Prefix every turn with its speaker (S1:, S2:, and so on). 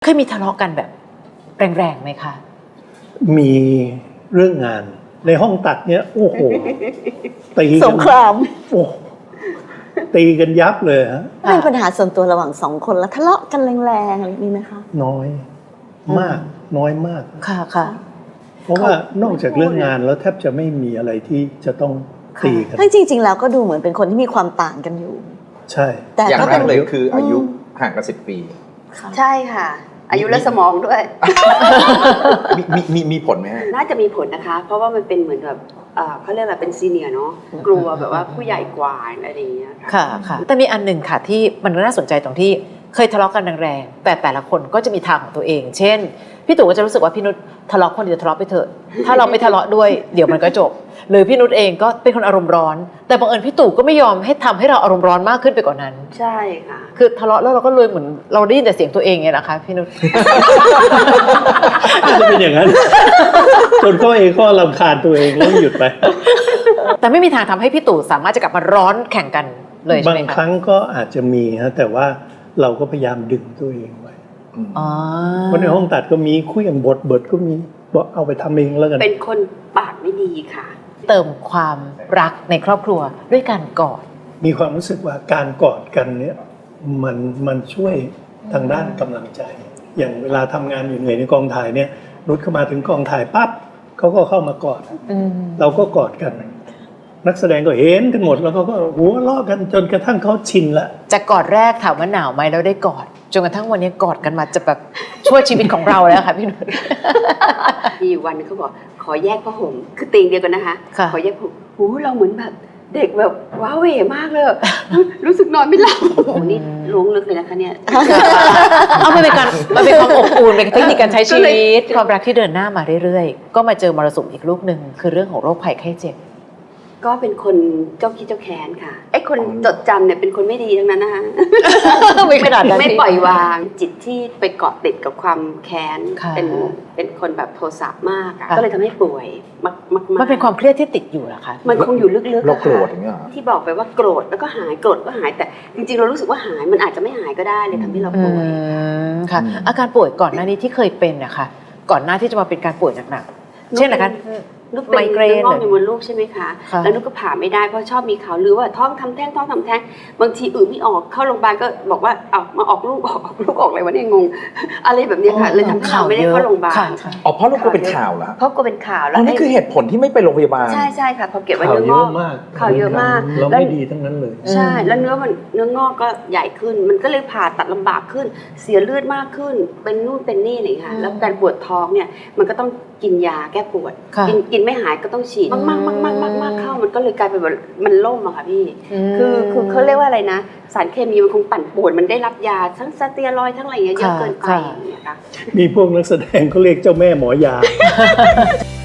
S1: ยมีทะเลาะกันแบบแรงๆไหมคะ
S2: มีเรื่องงานในห้องตัดเนี่ยโอ้โหตีกัน
S3: สงคราม
S2: โอ้ตีกันยับเลยฮะ
S3: เป็นปัญหาส่วนตัวระหว่าง2 คนแล้วทะเลาะกันแรงๆอะไรมีไหมคะ
S2: น้อยมากน้อยมาก
S1: ค่ะค่ะ
S2: เพราะว่านอกจากเรื่องงานแล้วแทบจะไม่มีอะไรที่จะต้องตีกัน
S3: ทั้งจริงๆแล้วก็ดูเหมือนเป็นคนที่มีความต่างกันอยู่
S2: ใช่
S3: แต่
S4: อย่าง
S3: ก็
S4: แร
S3: เป็
S4: ก
S3: น
S4: เลยคืออายุห่างกัน10 ปี
S5: ใช่ค่ะ อายุและสมองด้วย
S4: มีผลไหมฮะ
S5: น่าจะมีผลนะคะ เพราะว่ามันเป็นเหมือนแบบเขาเรียกอะไรเป็นซีเนียร์เนาะกลัวแบบว่าผู้ใหญ่กว่าอะไรอย่างเงี้ย
S1: ค่ะค่ะแต่มีอันหนึ่งค่ะที่มันน่าสนใจตรงที่เคยทะเลาะกันแรงๆแต่ละคนก็จะมีทางของตัวเอง เช่นพี่ตู่ก็จะรู้สึกว่าพี่นุชทะเลาะคนเดียวทะเลาะไปเถอะถ้าเราไม่ทะเลาะด้วยเดี๋ยวมันก็จบหรือพี่นุชเองก็เป็นคนอารมณ์ร้อนแต่บังเอิญพี่ตู่ก็ไม่ยอมให้ทำให้เราอารมณ์ร้อนมากขึ้นไปกว่านั้น
S5: ใช่ค่ะ
S1: คือทะเลาะแล้วเราก็เลยเหมือนเราได้ยินแต่เสียงตัวเองไงนะคะพี่นุช
S2: จะเป็นอย่างนั้น จนเขาเองก็รำคาญตัวเองแล้วหยุดไป
S1: แต่ไม่มีทางทำให้พี่ตู่สามารถจะกลับมาร้อนแข่งกันเลยใช่
S2: บา
S1: ไหม
S2: ง
S1: คะ
S2: ครั้งก็อาจจะมีฮะแต่ว่าเราก็พยายามดึงตัวเองไว้
S1: อ๋อ
S2: เพราะในห้องตัดก็มีคุยกันบทก็มีบอกเอาไปทำเองแล้วกัน
S5: เป็นคนปากไม่ดีค่ะ
S1: เติมความรักในครอบครัวด้วยการกอด
S2: มีความรู้สึกว่าการกอดกันเนี่ยมันช่วยทางด้านกำลังใจ อย่างเวลาทำงานอยู่เหนื่อยในกองถ่ายเนี่ยนุชเข้ามาถึงกองถ่ายปั๊บเขาก็เข้ามากอด เราก็กอดกัน นักแสดงก็เห็นกันหมดแล้วก็หัวเราะกันจนกระทั่งเขาชินละ
S1: จากกอดแรกถามว่าหนาวไหมแล้วได้กอดจนกระทั่งวันนี้กอดกันมาจะแบบช่วยชีวิตของเราแล้วค่ะพี่นุช
S5: มีอยู่วันนึงเขาบอกขอแยกผ้าห่มคือเตียงเดียวกันนะคะ
S1: ค่ะ
S5: ขอแยกผ้าห่มโอ้เราเหมือนแบบเด็กแบบว้าเหวมากเลย รู้สึกนอนไม่หลับโอ้โหนี่ล้วงลึกเลยนะคะเนี่ย
S1: เอามันเป็นความอบอุ่นเป็นเทคนิคการใช้ชีวิตความรักที่เดินหน้ามาเรื่อยๆก็มาเจอมรสุมอีกลูกหนึ่งคือเรื่องของโรคภัยไข้เจ็บ
S5: ก็เป็นคนเจ้าคิดเจ้าแค้นค่ะไอ้คนจดจำเนี่ยเป็นคนไม่ดีทั้งนั้นนะคะ
S1: ไม่ขนาดนั้น
S5: ไม่ปล่อยวางจิตที่ไปเกาะติดกับความแค้น
S1: ค่ะ
S5: เป็นคนแบบโทสะมากอะ
S1: ค่ะ
S5: ก็เลยทำให้ป่วยมากๆ
S1: มันเป็นความเครียดที่ติดอยู่เหรอคะ
S5: มันคงอยู่ลึกๆ
S4: เรา
S5: อะ
S4: โกร
S5: ค่ะ
S4: ธอย่างเงี้ยเหรอ
S5: ที่บอกไปว่าโกรธแล้วก็หายโกรธก็หายแต่จริงๆเรารู้สึกว่าหายมันอาจจะไม่หายก็ได้เลยทำให้เราป่วย
S1: ค่ะ อาการป่วยก่อนหน้านี้ที่เคยเป็นนะคะก่อนหน้าที่จะมาเป็นการป่วยหนักๆเช่นนะคะ
S5: นุกเป็น
S1: ไมเกรน
S5: เนื้องอกในมดลูกใช่ไหมคะ
S1: ค่ะ
S5: แล้วนุกก็ผ่าไม่ได้เพราะชอบมีข่าวลือว่าท้องทำแท้งท้องทำแท้งบางทีไม่ออกเข้าโรงพยาบาลก็บอกว่าเอามาออกลูกออกลูกออกอะไรวะเนี่ยงง อะไรแบบเนี้ยค่ะเลยทำให้เราไม่ได้เข้าโรงพยาบาล
S1: ค่ะ
S4: อ๋อเพราะเราก็เป็นข่าวเหรอฮะ
S5: เพราะก็เป็นข่าวแล้
S4: อ๋
S5: ว
S4: อนี่คือเหตุผลที่ไม่ไปโรงพยาบาล
S5: ใช่ใช่ค่ะพอเก็บไว้
S2: ข่าว
S5: เนื้อ
S2: เย
S5: งอ
S2: อะ
S5: ก
S2: มาก
S5: ข่าวเยอะมาก
S2: เรา
S5: แล้ว
S2: ไม่ดีทั้งนั้นเลย
S5: ใช่แล้วเนื้องอกก็ใหญ่ขึ้น มันก็เลยผ่าตัดลำบากขึ้น เสียเลือดมากขึ้น เป็นนู่นเป็นนี่อะไรอย่างเงี้ยค่ะแล้วการปวดท้องเนี่ยมันก็ต้องกินยาแก้ปวด
S1: ค่ะ
S5: กินไม่หายก็ต้องฉีดมากๆๆๆๆเข้ามันก็เลยกลายเป็นแบบมันล่มอะค่ะพี่
S1: ม
S5: คือเขาเรียกว่าอะไรนะ สารเคมีมันคงปั่นป่วนมันได้รับยาทั้งสเตียรอยด์ทั้งอะไรอย่างเงี้ยเยอะ
S1: ค่ะ
S5: เกินไป
S1: ค่ะ
S5: อย่างเงี้ยค่ะ
S2: มีพวกนักแสดงเขาเรียกเจ้าแม่หมอยา